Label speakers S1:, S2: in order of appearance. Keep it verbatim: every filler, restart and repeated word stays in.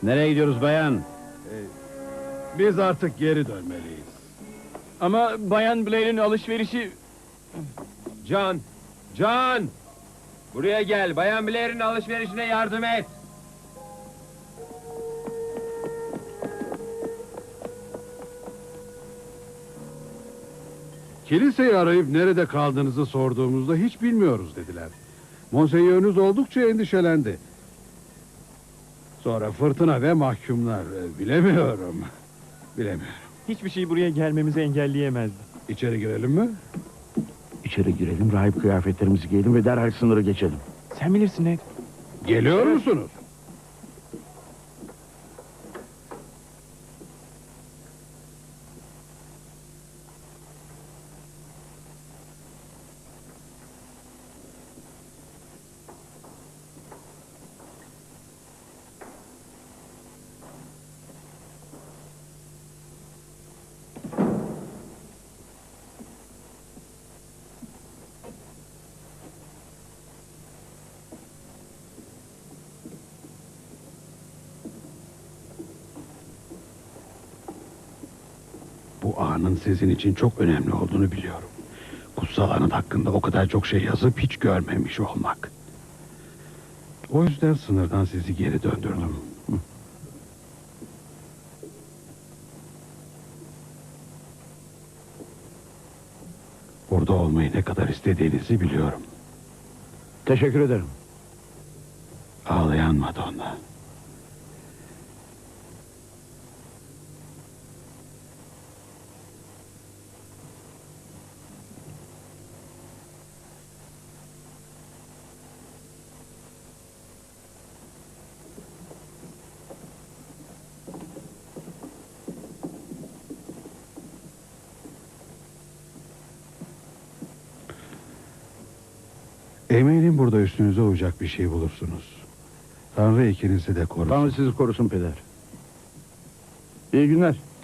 S1: Nereye gidiyoruz bayan?
S2: Biz artık geri dönmeliyiz.
S3: Ama Bayan Blair'in alışverişi...
S4: John! John! Buraya gel, Bayan Blair'in alışverişine yardım et!
S2: Kiliseyi arayıp nerede kaldığınızı sorduğumuzda hiç bilmiyoruz dediler. Monsenyörünüz oldukça endişelendi. Sonra fırtına ve mahkumlar. e, Bilemiyorum. Bilemiyorum.
S3: Hiçbir şey buraya gelmemizi engelleyemezdi.
S2: İçeri girelim mi?
S1: İçeri girelim, rahip kıyafetlerimizi giyelim ve derhal sınırı geçelim.
S3: Sen bilirsin Ned.
S2: Geliyor musunuz? Bu anın sizin için çok önemli olduğunu biliyorum. Kutsal anıt hakkında o kadar çok şey yazıp hiç görmemiş olmak. O yüzden sınırdan sizi geri döndürdüm. Burada olmayı ne kadar istediğinizi biliyorum.
S1: Teşekkür ederim.
S2: Ağlayan Madonna. Eminim burada üstünüze uyacak bir şey bulursunuz. Tanrı ikinizi de korusun.
S1: Tanrı sizi korusun peder. İyi günler.